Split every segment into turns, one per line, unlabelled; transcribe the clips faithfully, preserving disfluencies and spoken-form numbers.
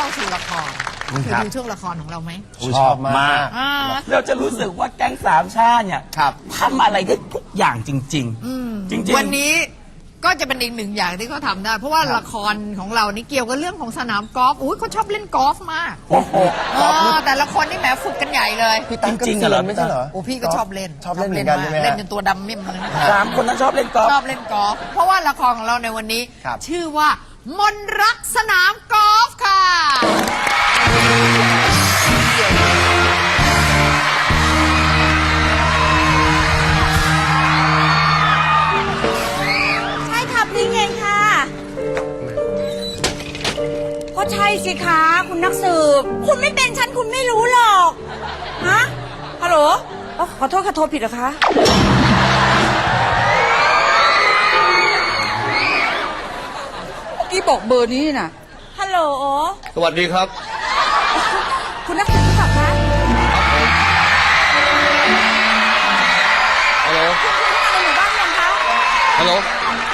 เข้าสู่ละครคือดูช่วงละครของเราไหม
ชอบมาก
เราจะรู้สึกว่าแก๊งสามชาติเนี่ยทำอะไรได้ทุกอย่างจริงๆจริงๆ
วันนี้ก็จะเป็นอีกหนึ่งอย่างที่เขาทำได้เพราะว่าละครของเรานี่เกี่ยวกับเรื่องของสนามกอล์ฟอุ้ยเขาชอบเล่นกอล์ฟมากโอ้โหแต่ละคนนี่แหมฝึกกันใหญ่เลย
จริงๆเหรอไม่ใช่เหรอ
โอ้พี่ก็ชอบเล่น
ชอบเล่นเหมือนกันใช่ไหม
เล่นจนตัวดำมิ่มเลย
สามคนนั้นชอบเล่นกอล์ฟ
ชอบเล่นกอล์ฟเพราะว่าละครของเราในวันนี้ชื่อว่ามนรักสนามกอล์ฟค่ะ
ก็ใช่สิคะคุณนักสืบคุณไม่เป็นฉันคุณไม่รู้หรอกฮะฮัลโหลขอโทษค่ะโทรผิดเหรอคะเมื่อกี้บอกเบอร์นี้น่ะฮัลโหล
สวัสดีครับ
คุณนักสืบรู้จักคะ
ฮัลโหล
คุณมาในหมู่บ้านยังคะ
ฮัลโหล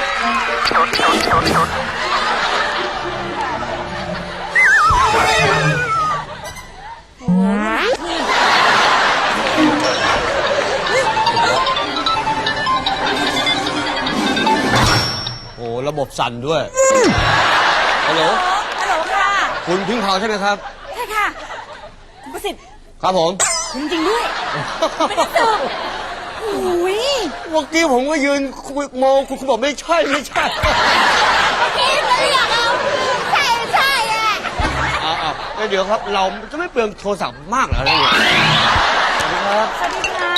โอ้ระบบสั่นด้วยฮัลโหล
ฮัลโหลค่ะ
คุณพิงพาวใช่ไหมครับ
ใช่ค่ะคุณประสิทธิ์
ครับผม
จริงๆด้วยไม่ได้เจอโอ้ย
เมื่อกี้ผมก็ยืนมองคุณคุณบอกไม่ใช่ไม่ใช่
เมื่อกี้ไม่อยากเอาใช่ใช่แหละ
อ่าๆเดี๋ยวครับเราจะไม่เปลืองโทรศัพท์มากเหรอเนี่ย
ครับสวัสดีค่ะ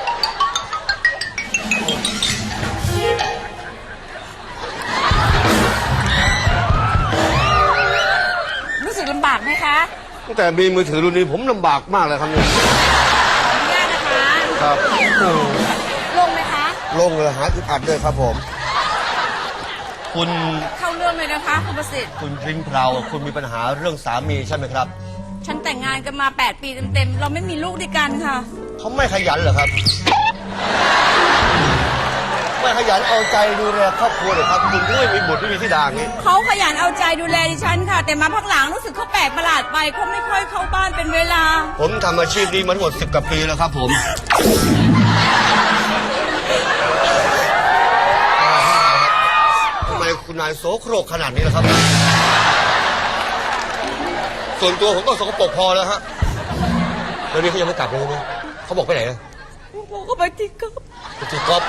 รู้สึกลำบากไหมคะ
ตั้งแต่มีมือถือรุ่นนี้ผมลำบากมากเลยครับเนี่ย
ขออนุญาตนะคะ
ครับ
ลงไหมคะ
ลงเลยหาอึดอัดด้วยครับผมคุณ
เข้าเรื่องเลยนะคะคุณประสิทธิ์
คุณพริ้งเพลาคุณมีปัญหาเรื่องสามีใช่ไหมครับ
ฉันแต่งงานกันมาแปดปีเต็มๆเราไม่มีลูกด้วยกันค่ะ
เขาไม่ขยันเหรอครับไม่ขยันเอาใจดูแลครอบครัวเลยครับคุณไม่มีบุตรไม่มีธิดาอย่างนี้
เขาขยันเอาใจดูแลดิฉันค่ะแต่มาพักหลังรู้สึกเขาแปลกประหลาดไปเขาไม่ค่อยเข้าบ้านเป็นเวลา
ผมทำอาชีพนี้มาทั้งหมดสิบกว่าปีแล้วครับผมทำไมคุณนายโสโครกขนาดนี้ล่ะครับส่วนตัวผมก็สกปรกพอแล้วฮะเดี๋ยวนี้เขายังไม่กลับเลยนะเขาบอกไปไหนนะ
บอกเขาไปตีกอล์ฟ
ไปตีกอล์ฟ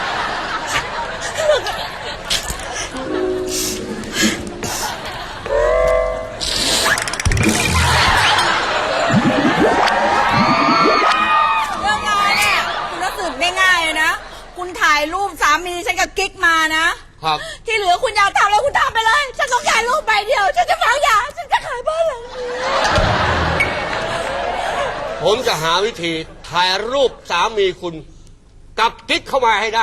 เรื่องงานเนี่ยคุณรู้สึกง่ายๆเลยนะคุณถ่ายรูปสามีฉันกับกิ๊กมานะครับที่เหลือคุณอยากทำแล้วคุณทำไปเลยฉันต้องการรูปใบเดียวฉันจะฝังยาฉันจะขายบ้านหลังนี้
ผมจะหาวิธีถ่ายรูปสามีคุณกับกิ๊กเข้ามาให้ได้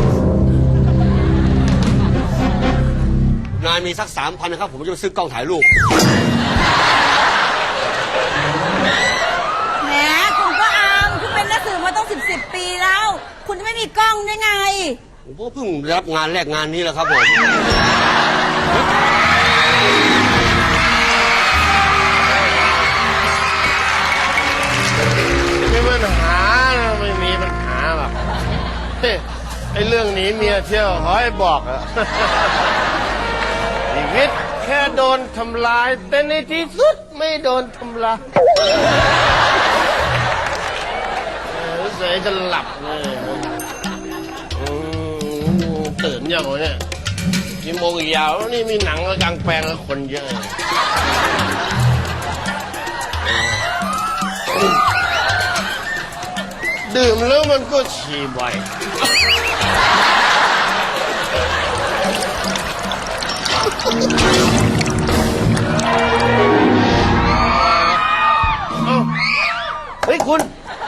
นายมีสักสามพันนะครับผมจะไปซื้อกล้องถ่ายรูป
แหมคุณก็อามคุณเป็นนักสืบมาต้องสิบสิบปีแล้วคุณจะไม่มีกล้องได้ไง
ผมก็เพิ่งรับงานแรกงานนี้แหละครับผม
ไม่มีปัญหาไม่มีปัญหาหรอกไอ้เรื่องนี้เมียเที่ยวขอให้บอกอะชีวิตแค่โดนทำลายแต่ในที่สุดไม่โดนทำลายรู้สึกจะหลับเลยตื่นยังวะเนี่ยกี่โมงอีกยาวนี่มีหนังกลางแปลงแล้วคนเยอะดื่มแล้วมันก็ฉี่บ่อยเฮ้ยคุณ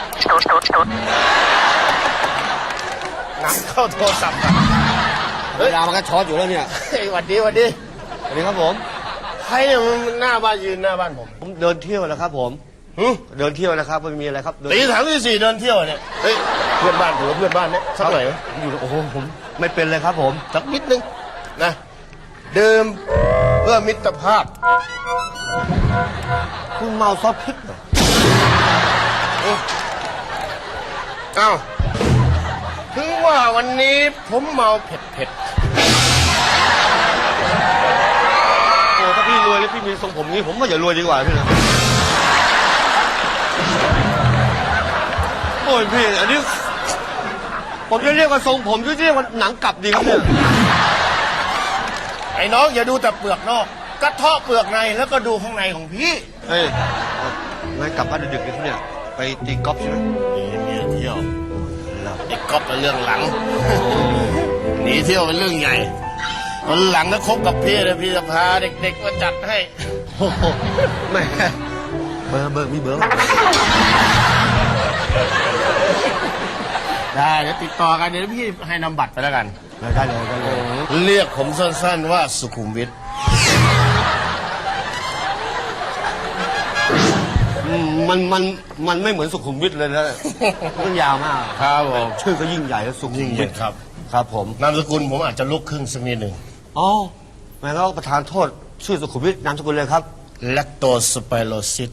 น้ำเข้าโทรศัพท์
เวลามันก็ช็อตอยู่แล้วเนี่ย
เฮ้ยหวัดดีหวัดดี
สวัสดีครับผม
ใครเนี่ยมันหน้าบ้านยืนหน้าบ้านผม
ผมเดินเที่ยวแล้วครับผมเดินเที่ยวนะครับไม่มีอะไรครับ
ตีสามตีสี่เดินเที่ยวเนี่ยเฮ้ยเพื่อนบ้านถือว่าเพื่อนบ้านเนี่ยสักหน่อย
อยู่โอ้โหผมไม่เป็นเลยครับผม
สักนิดนึงนะดื่มเพื่อมิตรภาพ
คุณเมาซอสพริกเหรอ
เอ้าถึงว่าวันนี้ผมเมาเผ็ดเผ็ด
โอ้ถ้าพี่รวยแล้วพี่มีทรงผมนี้ผมก็อย่ารวยดีกว่าพี่นะโอ้ยพี่อันนี้ผมจะเรียกว่าทรงผมหรือจะเรียกว่าหนังกลับดีครับเนี่ย
ไอ้น้องอย่าดูแต่เปลือกนอกกระเทาะเปลือกในแล้วก็ดูข้างในของพี่
เฮ้ยงั้นกลับบ้านดึกๆเลยที่เนี่ยไปตีกอล์ฟใช่ไหม
นี่เมียเที่ยวไอ้ก๊อฟเป็นเรื่องหลัง หนีเที่ยวเป็นเรื่องใหญ่วันหลังถ้าคบกับพี่นะพี่จะพาเด็กๆมาจัดให้
โอ้โหแม่เบอร์เบอร์มีเบอร์
ได้เดี๋ยวติดต่อกันเดี๋ยวพี่ให้นำบัตรไปแล้วกัน
ได้เลยได้เลย
เรียกผมสั้นๆว่าสุขุมวิท
อืมมันมันมันไม่เหมือนสุขุมวิทเลยนะมันยาวมาก
ครับผม
ชื่อก็ยิ่งใหญ่แล้วสุขุ
ยิ่
ม
งให
วิ
ญ่
ท
ครับ
ครับผม
นามสกุลผมอาจจะลุกครึ่งสักนิดหนึ่ง
อ๋อแม่แล้วประธานโทษชื่อสุขุมวิทนามสกุลเลยครับ
แลคโตสไปโรซิส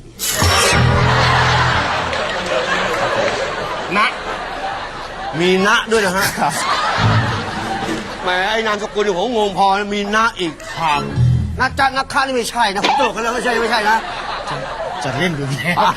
นะ
มีณด้วยนะฮะแหมไอ้นามสกุลเนี่ยผมงงพอมีณอีก
ครับ
นักจ้านักฆ่านี่ไม่ใช่นะผมตลกกันแล้วไม่ใช่ไม่ใช่นะ
จะเล่นดูแล
อ้าว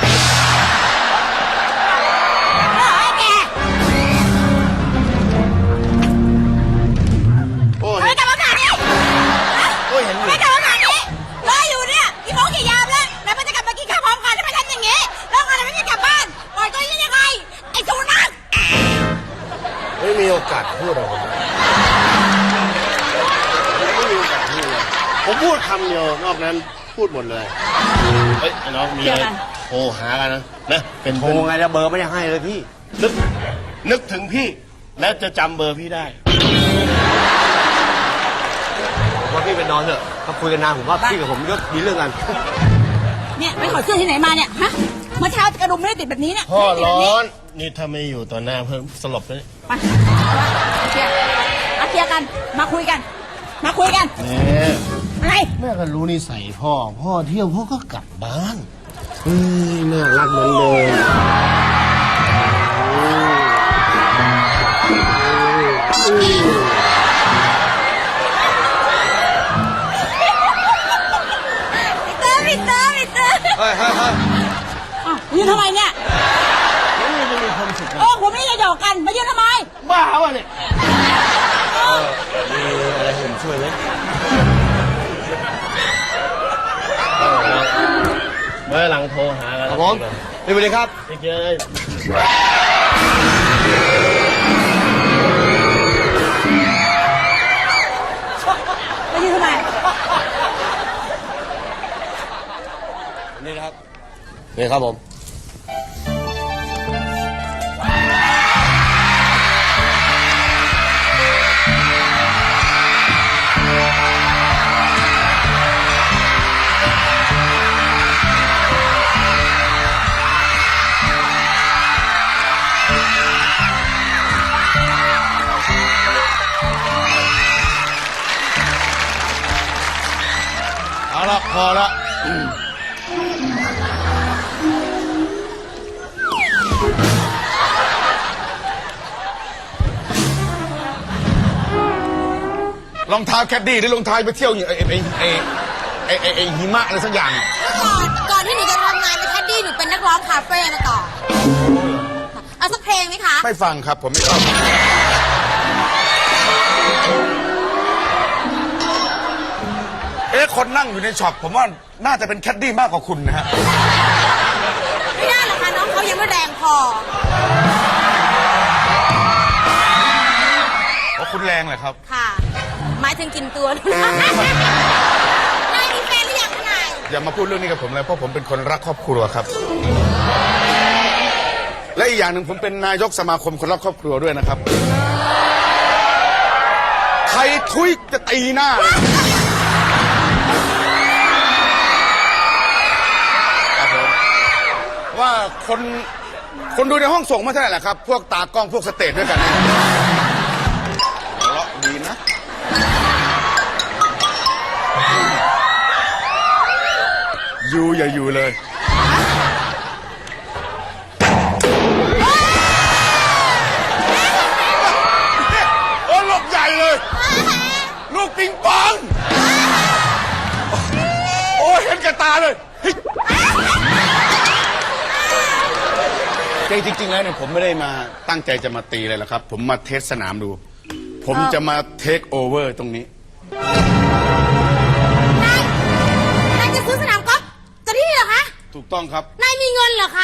โอ้ย
ไม่กลับมาขนาดนี้
โอ้ยเห็นอยู่
ไม่กลับมาขนาดนี้รออยู่เนี่ยกี่โมงกี่ยามแล้วแล้วมันจะกลับมากินข้าวพร้อมกันทำไมทำอย่างนี้แล้วงานไม่ได้กลับบ้านปล่อยตัวนี้ยังไงไอ้สุนัข
ไม่มีโอกาสพูดหรอกผมไม่มีโอกาสพูดเลยผมพูดคำเดียวนอกนั้นพูดหมดเลยเฮ้ยไอ้น้องมีอะไรโทรหากันนะนะเป็น
โทรไงแล้วเบอร์ไม่ได้ให้เลยพี่
นึกนึกถึงพี่แล้วจะจำเบอร์พี่ได้
ว่าพี่ไปนอนเถอะถ้าคุยกันนานผมว่าพี่กับผมก็มีเรื่องกัน
เนี่ยไปขอเสื้อที่ไหนมาเนี่ยฮะเมื่อเช้ากระดุมไม่ได้ติดแบบนี้เนี่ย
พ่อ
ติดแบบ
ร้
นี้
อนนี่ถ้าไม่อยู่ต่อหน้าเพิ่มสลบเลย
ไปเคลียร์มาเคลียร์กันมาคุยกัน มาคุยกัน
เนี่ย
อะไร
แม่ก็รู้นิสัยพ่อ พ่อเที่ยวพ่อก็กลับบ้านเฮ้ยน่ารักเหมือนเดิม
พี่เตอร์พี่เตอร์พี่เตอร์
เฮ้ยเฮ้ยเฮ้ย
อ้าวยืนทำไมเนี่ย
นี่จะมีความสุขนะ
โอ้ผมไม่ได้หยอกกันมายืนทำไม
บ้าวะเนี่ย
มีอะไรให้ผมช่วยไหม
เมื่อหลังโทรหากัน
ครับผมนี่ไปเลยครับ
ไปเจอ
มายืนทำไม
นี่นะครับนี่ครับผม
เอาละพอละรองเท้าแคดดี้หรือรองเท้าไปเที่ยวอย่างไอ้ไอ้ไอ้ไอ้ไอ้ไอ้หิมะอะไรสักอย่าง
ก่อนก่อนที่หนูจะทำงานเป็นแคดดี้หนูเป็นนักร้องคาเฟ่มาก่อนเอาสักเพลงไหมคะ
ไม่ฟังครับผมไม่ชอบ
เอ๊ะคนนั่งอยู่ในช็อปผมว่าน่าจะเป็นแคดดี้มากกว่าคุณนะฮะ
ไม่ได้หรอกค่ะน้องเขายังไม่แรงพอ
เพราะคุณแรงเลยครับ
ค่ะ หมายถึงกินตัว นายมีแฟนหรือยังคะนาย
อย่ามาพูดเรื่องนี้กับผมเลยเพราะผมเป็นคนรักครอบครัวครับ และอีกอย่างหนึ่งผมเป็นนายกสมาคมคนรักครอบครัวด้วยนะครับ ใครทุยจะตีหน้าเลยครับผมว่าคนคนดูในห้องส่งไม่ใช่แหละครับ พวกตากล้องพวกสเตจด้วยกันเนี่ยหัวเราะดีนะอยู่อย่าอยู่เลย โอ้ลูกใหญ่เลย ลูกปิงปอง โอ้เห็นกับตาเลยเฮ้ยจริงๆแล้วเนี่ยผมไม่ได้มาตั้งใจจะมาตีเลยละครับ ผมมาเทสสนามดู ผมจะมาเทคโอเวอร์ตรงนี้
นาย นายจะซื้อสนามกอล์ฟจะที่นี่เหรอคะ
ถูกต้องครับ
นายมีเงินเหรอคะ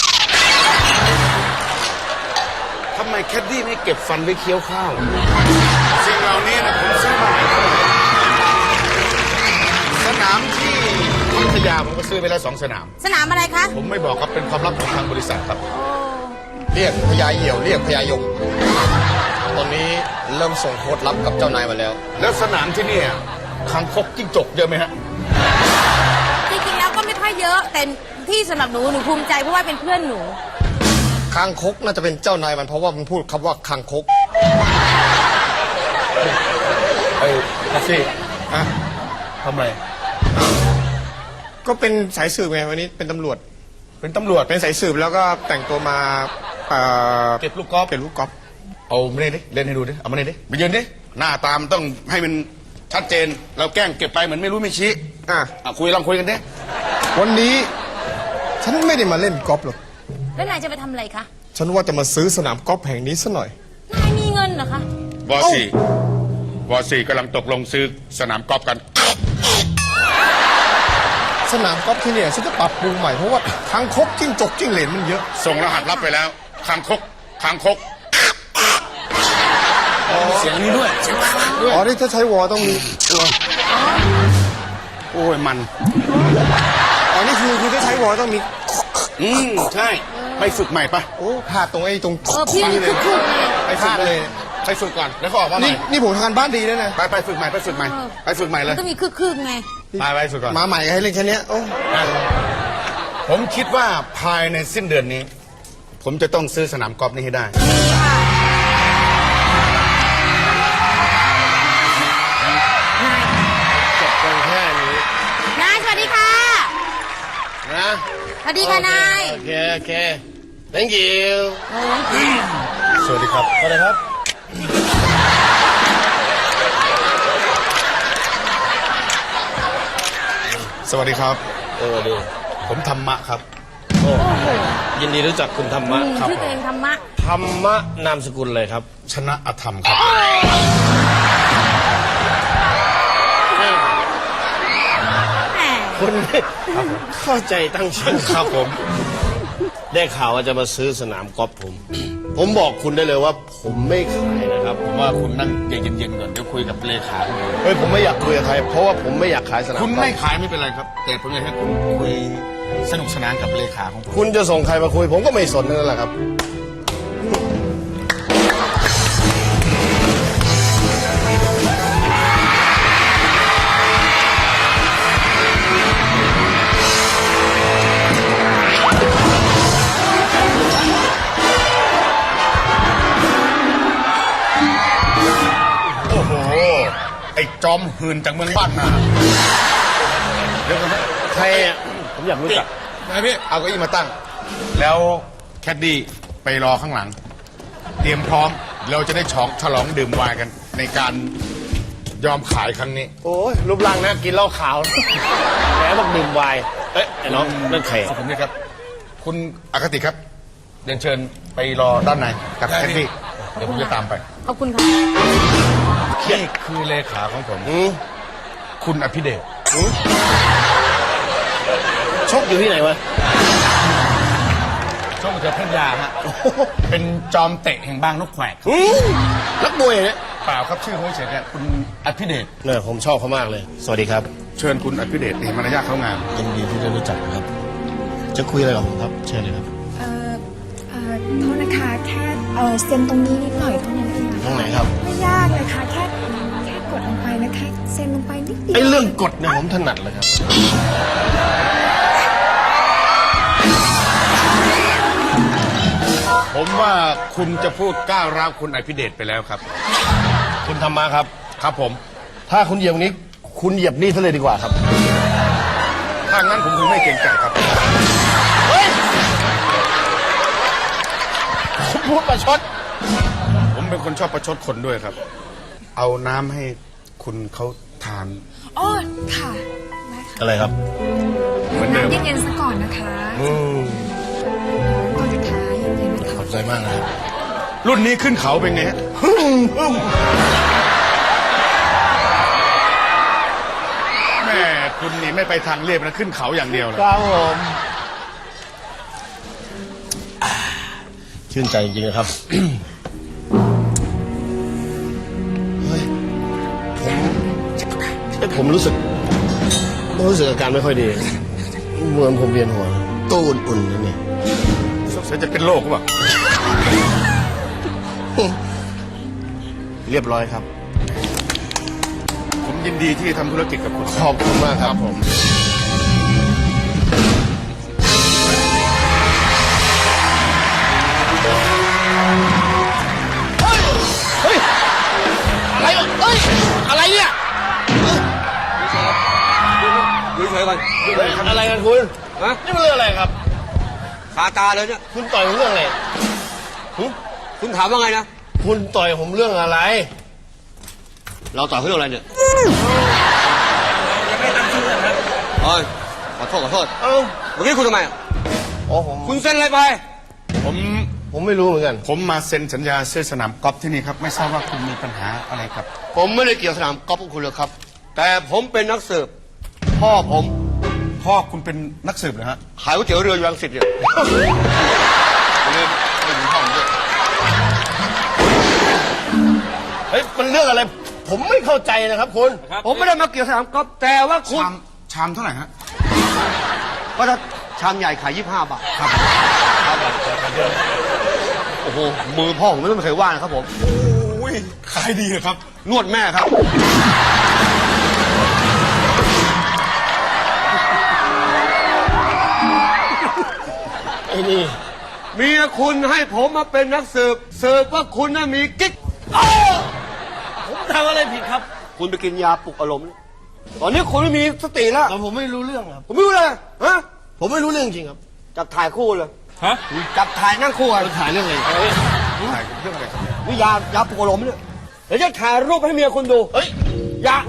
ทำไมแคดดี้ไม่เก็บฟันไว้เคี้ยวข้าว สิ่งเหล่านี้นะผมซื้อมาสนามที่พัทยาผมก็ซื้อไปแล้วสองสนาม
สนามอะไรคะ
ผมไม่บอกครับเป็นความลับของทางบริษัทครับ
เรียกพญาเหี่ยวเรียกพญายม ตอนนี้เริ่มส่งโค้ดลับกับเจ้านายมาแล้ว
แล้วสนามที่เนี่ยคางคกจิ้งจกเยอะไหมฮะ
จริงๆแล้วก็ไม่ค่อยเยอะ แต่ที่สำหรับหนูหนูภูมิใจเพราะว่าเป็นเพื่อนหนู
คางคกน่าจะเป็นเจ้านายมันเพราะว่ามันพูดคำว่าคางคก
ไอ้แท็กซี่ฮะทำไร
ก็เป็นสายสืบไงวันนี้เป็นตำรวจ
เป็นตำรวจ
เป็นสายสืบแล้วก็แต่งตัวมาเอ่อ
เก็บลูกกอล์ฟ
เก็บลูกกอล์ฟ
เอามาเนี่ยดิเล่นให้ดูดิเอามาเนี่ยดิไปยืนดิหน้าตามนต้องให้มันชัดเจน เราแกล้งเก็บไปเหมือนไม่รู้ไม่ชี้
อ่ะ
อ่ะคุยลองคุยกันดิ
วันนี้ฉันไม่ได้มาเล่นกอล์ฟหรอก
แล้วนายจะไปทำอะไรคะ
ฉันว่าจะมาซื้อสนามกอล์ฟแห่งนี้ซะหน่อย
นายมีเงินเหรอคะ
วอสี่วอสี่กำลังตกลงซื้อสนามกอล์ฟกัน
สนามกอล์ฟที่เนี่ยฉันจะปรับปรุงใหม่เพราะว่าคางคกจิ้งจกจิ้งเหลนมันเยอะ
ส่งรหัสลับไปแล้วคางคกคางคก
เสียงนี้ด้วยเสียงคางด้วย
อ๋อที่ถ้าใช้วอต้องมี
โอ้ยมัน
อ๋อนี่คือคือถ้าใช้วอต้องมี
อืมใช่ไปฝึกใหม่ปะ
โอ้พลาดตรงไอ้ตรง
เออพี่มันคือคือไง
ไปฝึกเลยไปฝึกก่อนแล้วก็ออกมาให
นี่
ม่
นี่ผมทำงานบ้านดีแล้วนะ
ไปไปฝึกใหม่ไปฝึกใหม่ไปฝึกใหม่เล
มั
ย
นก็มีคือคือไง
ไปไปฝึกก่อน
มาใหม่ให้เล่นแค่เนี้ยโอ้
ผมคิดว่าภายในสิ้นเดือนนี้ ผมจะต้องซื้อสนามกอล์ฟนี้ให้ได้
จบกันแค่นี้
นายสวัสดีค่ะ
นะ
สวัสดีค่ะนาย
โอเค โอเค thank you
สวัสดีครับ
สวัสดีครับ
สวัสดีครับ
เออดี
ผมธรรมะครับ
ยินดีรู้จักคุณธรรมะครับ
ชื่อตัวเองธรรมะ
ธรรมะนามสกุลเลยครับ
ชนะอธรรมครับ
แหม
คุณเข้าใจตั้งชื่อ
ครับผม
ได้ข่าวว่าจะมาซื้อสนามกอล์ฟผม ผมบอกคุณได้เลยว่าผมไม่ขายนะครับ
ผมว่าคุณนั่งเย็นๆก่อนเดี๋ยวคุยกับเลขาคุณก่อน
เฮ้ยผมไม่อยากคุยกับใครเพราะว่าผมไม่อยากขายสนาม
คุณ
กอล์ฟ
ไม่ขายไม่เป็นไรครับ แต่ผมอยากให้คุณคุยสนุกสนานกับเลขาของผม
คุณจะส่งใครมาคุย ผมก็ไม่สนนั่นแหละครับ
โอ้โห ไอ้จอมหืนจากเมืองบ้านนาเดี๋ยวก่อนนะ
ใครอ่ะผมอยากรู้จัก
นายพี่เอาเก้าอี้มาตั้ง แล้วแคดดี้ไปรอข้างหลัง เตรียมพร้อม เราจะได้ฉองฉลองดื่มไวน์กัน ในการยอมขายครั้งนี้
โอ้ยรูปร่างนะกินเหล้าขาว แหมบอกดื่มไวน์เอ้ยไอ้น้องนั่นใคร
ขอบคุณด้วยครับ คุณอคติครับเรียนเชิญไปรอด้านในกับแคดดี้เดี๋ยวผมจะตามไป
ขอบคุณค่ะ
นี่คือเลขาของผม
อืม
คุณอภิเดช
ชกอยู่ที่ไหนวะ
ช่วงเจอพัทยาฮะ เป็นจอมเตะแห่งบางนกแขวก
อืมนักมวยเนี่ย
เปล่าครับชื่อเขาเฉยๆเนี่ยคุณอภิเดช
เนี่ยผมชอบเขามากเลย สวัสดีครับ
เชิญคุณอภิเดชเห็นมารยาทเขางาม
ยินดีที่ได้รู้จักครับ จะคุยอะไรกับผมครับ เชิญเลยครับ
เอ่อเอ่อโทษนะคะแค่เอ่อเซ็นตรงนี้นิดหน่อยเท่านั้นเอง
ตรงไหนครับ
ไม่ยากเลยค่ะแค่แค่กดลงไปนะคะเซ็นลงไปนิดเดียว
ไอ้เรื่องกฎเนี่ยผมถนัดเลยครับ
ผมว่าคุณจะพูดก้าวร้าวคุณอภิเดชไปแล้วครับ
คุณธรรมะครับ
ครับผม
ถ้าคุณเหยียบนี้ คุณเหยียบนี่ซะเลยดีกว่าครับ
คถ้างั้นผมคงไม่เกรงใจครับ ผมพูดประชด ผมเป็นคนชอบประชดคนด้วยครับ เอาน้ำให้คุณเขาทาน
อ๋อ ค่ะ ได้ค่ะ
อะไรครับ
เหมือนเดิม
น้ำเย็นๆซะก่อนนะคะ
อืม
ก่อนจะทานเย็นๆนะ
ข
คะ
อบใจมากนะครับ
รุ่นนี้ขึ้นเขาเป็นไงฮะแม่คุณนี่ไม่ไปทางเรียบนะขึ้นเขาอย่างเดียวเลย
ครับผม
ชื่นใจจริงๆนะครับ เฮ้ย ผมเอ้ยผมรู้สึกรู้สึกอาการไม่ค่อยดีเหมือนผมเวียนหัวตัวอุ่นๆนั่นเอง
สงสัยจะเป็นโรคหรือเปล่า
เรียบร้อยครับ
ผมยินดีที่ทำธุรกิจกับคุณ
ขอบคุณมากครับผม
อะไรเอ้ย อะไรเนี่ยดูเฉยๆก่อนอะไรกันคุณฮะนี่มันเรื่องอะไรครับคาตาเลยเนี่ยคุณต่อยผมเรื่องอะไรหึคุณถามว่าไงนะคุณต่อยผมเรื่องอะไร เราต่อยเขาเรื่องอะไรเนี่ยยังไม่ตั้งชื่อนะครับเอ้ยขอโทษขอโทษเอ้าเมื่อกี้คุณทำไมอ๋อผมคุณเซ็นอะไรไป
ผม
ผมไม่รู้เหมือนกัน
ผมมาเซ็นสัญญาซื้อสนามกอล์ฟที่นี่ครับ ไม่ทราบว่าคุณมีปัญหาอะไรครับ
ผมไม่ได้เกี่ยวสนามกอล์ฟกับคุณเลยครับ แต่ผมเป็นนักสืบพ่อผม
พ่อคุณเป็นนักสืบเหรอฮะ
ขายก๋วยเตี๋ยวเรืออยู่รังสิตเนี่ยเลยไม่ถึงห้องด้วยเฮ้ยมันเรื่องอะไร ผมไม่เข้าใจนะครับคุณ ผมไม่ได้มาเกี่ยวสนามกอล์ฟแต่ว่าคุณ
ชามชามเท่าไหร่ฮะ
ก็ถ้าชามใหญ่ขายยี่สิบห้าบาทครับโอ้โหมือพ่อผมไม่เคยว่านะครับผม
โอ้ยขายดีเหรอครับ
นวดแม่ครับไอ้นี่เมียคุณให้ผมมาเป็นนักสืบสืบว่าคุณน่ะมีกิ๊กอ้าวผมทำอะไรผิดครับ คุณไปกินยาปลุกอารมณ์เนี่ยตอนนี้คุณไม่มีสติแล้วผมไม่รู้เรื่องครับผมไม่รู้เลยฮะผมไม่รู้เรื่องจริงครับจับถ่ายคู่เลยฮะจับถ่ายนั่งคู่กันถ่ายเรื่องอะไร
ถ่ายเรื่องอะไรครับ
นี่ยายาปลุกอารมณ์เนี่ยเดี๋ยวจะถ่ายรูปให้เมียคุณดูเฮ้ยยา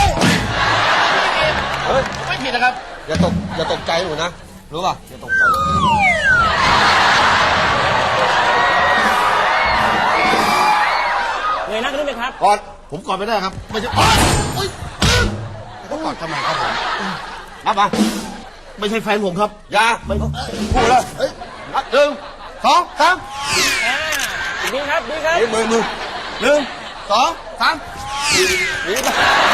เฮ้ยไม่ผิดนะครับอย่าตกอย่าตกใจหนูนะรู้ป่ะอย่าตกใจ
เงยหน้าขึ้นไหมครับ
กอดผมกอดไม่ได้ครับไม่ใช่โอ๊ยเขากอดทำไมครับผมนับมาไม่ใช่แฟนผมครับอยาไม่พูดแล้วเฮ้ยนับหนึ่งสองสาม
ดีครับ ดีครับ
เฮ้ยมือมือหนึ่งสองสามนี่ไป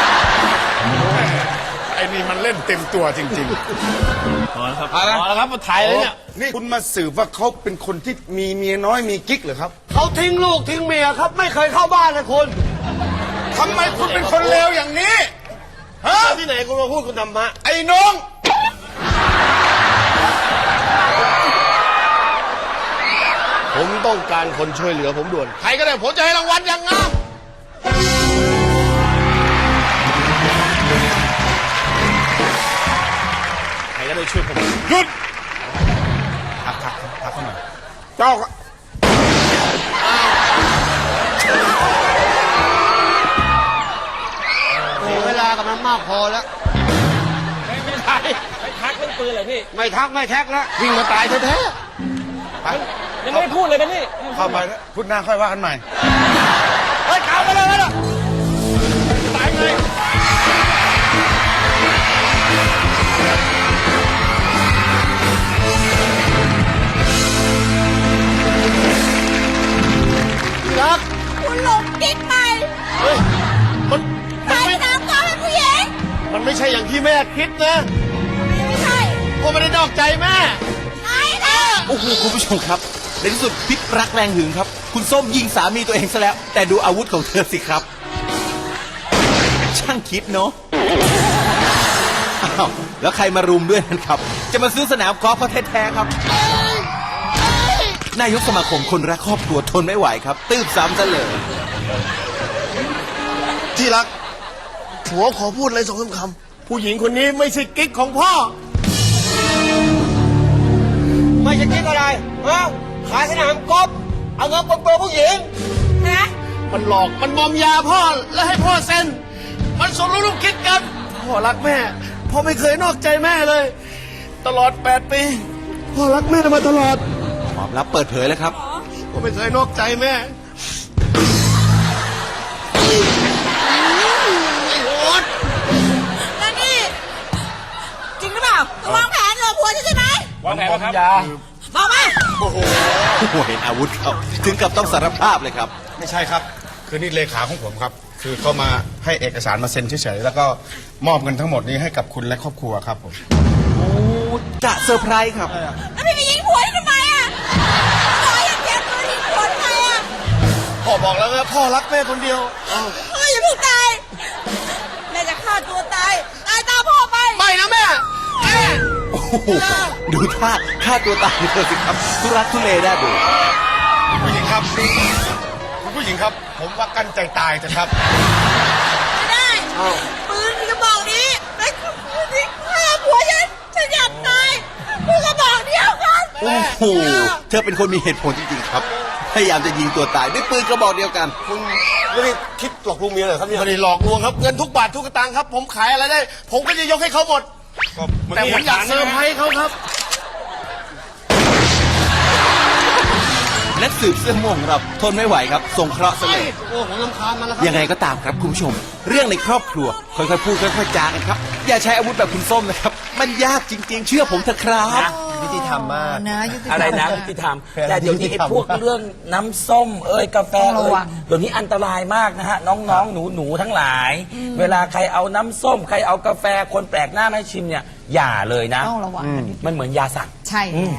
ไอ้นี่มันเล่นเต็มตัวจริง
พอแล้วครับพอแล้วครับมาถ่ายเลยเนี่ย
ๆ นี่คุณมาสืบว่าเขาเป็นคนที่มีเมียน้อยมีกิ๊กเหรอครับ
เขาทิ้งลูกทิ้งเมียครับ ไม่เคยเข้าบ้านเลยคุณ
ทำไมคุณเป็นคนเลวอย่างนี้ ฮะ
ที่ไหนคุณมาพูดคุณธรรมะ
ไอ้น้อง
ผมต้องการคนช่วยเหลือผมด่วนใครก็ได้ผมจะให้รางวัลอย่างงาม
ใครก็ได้ช่วยผม หยุดทักทักทักเขาหน่อย
เจ้าเสียเวลากับมันมากพอแล้ว ไม่ใช่
ไม่ทักเรื่องปืนเลยพี่
ไม่ทักไม่แท็กแล้ววิ่งมาตายแท้
ไป
ยังไม่ได้พูดเลยนะพี่
เข้าไปแล้วพูดหน้าค่อยว่ากันใหม่
ๆเฮ้ยข่าวไปเลยนะตายเลยรัก
คุณหลงกิ๊กไป
เฮ้ยมันมัน
ขาย
ไม่
น้ำก็เป็นผู้หญิง
มันไม่ใช่อย่างที่แม่คิดนะ
ไม่ใช่
ก็ไม่ได้นอกใจแม่
ใช่นะ
โอ้โหคุณผู้ชมครับ ในที่สุดพิษรักแรงหึงครับ คุณส้มยิงสามีตัวเองซะแล้ว แต่ดูอาวุธของเธอสิครับ ช่างคิดเนาะอ้าวแล้วใครมารุมด้วยนั่นครับ จะมาซื้อสนามกอล์ฟเขาแท้ๆครับ นายกสมาคมคนรักครอบครัวทนไม่ไหวครับ ตืบซ้ำซะเลย
ที่รักผัวขอพูดอะไรสองคำผู้หญิงคนนี้ไม่ใช่กิ๊กของพ่อฮะขายสนามกอล์ฟเอาเงินปนเปื้อนผู้หญิง
นะ
มันหลอกมันมอมยาพ่อแล้วให้พ่อเซ็นมันสมรู้ร่วมคิดกันพ่อรักแม่พ่อไม่เคยนอกใจแม่เลย ตลอดแปดปีพ่อรักแม่มาตลอด
ความลับเปิดเผยแล้วครับ
พ่อไม่เคยนอกใจแม่
แล้วนี่จริงหรือเปล่าจะวางแผนเหรอผัวฉันใช่ไหม
วางแผนครับยา
บอกมา
โอ้โหเห็นอาวุธเขาถึงกับต้องสารภาพเลยครับ
ไม่ใช่ครับ คือนี่เลขาของผมครับ คือเขามาให้เอกสารมาเซ็นเฉยๆแล้วก็มอบเงินทั้งหมดนี้ให้กับคุณและครอบครัวครับผม
โอ้กะเซอร์ไพรส์ครับ
แล้วพี่ไปยิงผัวฉันทำไมอ่ะผัวยังเจ็บตัวยิงผัวทำไมอ่ะ
พ่อบอกแล้วนะพ่อรักแม่คนเดียว
เฮ้ยอย่าเพิ่งตายแม่จะฆ่าตัวตายตายตามพ่อไป
ไม่นะแม่แม่
โอ้โหดูท่าฆ่าตัวตายเลยสิครับทุรักทุเลได้ดู
คุณผู้หญิงครับคุณผู้หญิงครับ ผมว่ากั้นใจตายเถอะครับ
ไม่ได้ปืนกระบอกนี้ไอ้คนที่ฆ่าผัวฉันฉันอยากตายปืนกระบอกเดียวกัน
โอ้โหเธอเป็นคนมีเหตุผลจริงๆครับ พยายามจะยิงตัวตายด้วยปืนกระบอกเดียวกัน
คุณไม่ได้คิดหลอกลวงเมียเหรอครับเนี่ย
ไม่ได้หลอกลวงครับเงินทุกบาททุกสตางค์ครับ ผมขายอะไรได้ ผมก็จะยกให้เขาหมด แต่ผมอยากเซอร์ไพรส์เขาครับ
นักสืบเสื้อม่วงของเราทนไม่ไหวครับส่งเคราะห์ซะเลย
โอ้ผมรำคาญมันแล้วครับ
ยังไงก็ตามครับคุณผู้ชม เรื่องในครอบครัวค่อยๆพูดค่อยๆจากันครับ อย่าใช้อาวุธแบบคุณส้มนะครับ มันยากจริงๆ เชื่อผมเถอะครับ
ยุติธรรมมาก
นะยุติธรรม
อะไรนะยุติธรรมแต่เดี๋ยวนี้ไอ้พวกเรื่องน้ำส้มเอ้ยกาแฟ
ต้องระ
เอ้ย
วัง
เดี๋ยวนี้อันตรายมากนะฮะน้องๆหนูๆทั้งหลาย เวลาใครเอาน้ำส้ม ใครเอากาแฟคนแปลกหน้ามาให้ชิมเนี่ยอย่าเลยนะ
ต้องระวังกัน
มันเหมือนยาสั่ง
ใช่แล้ว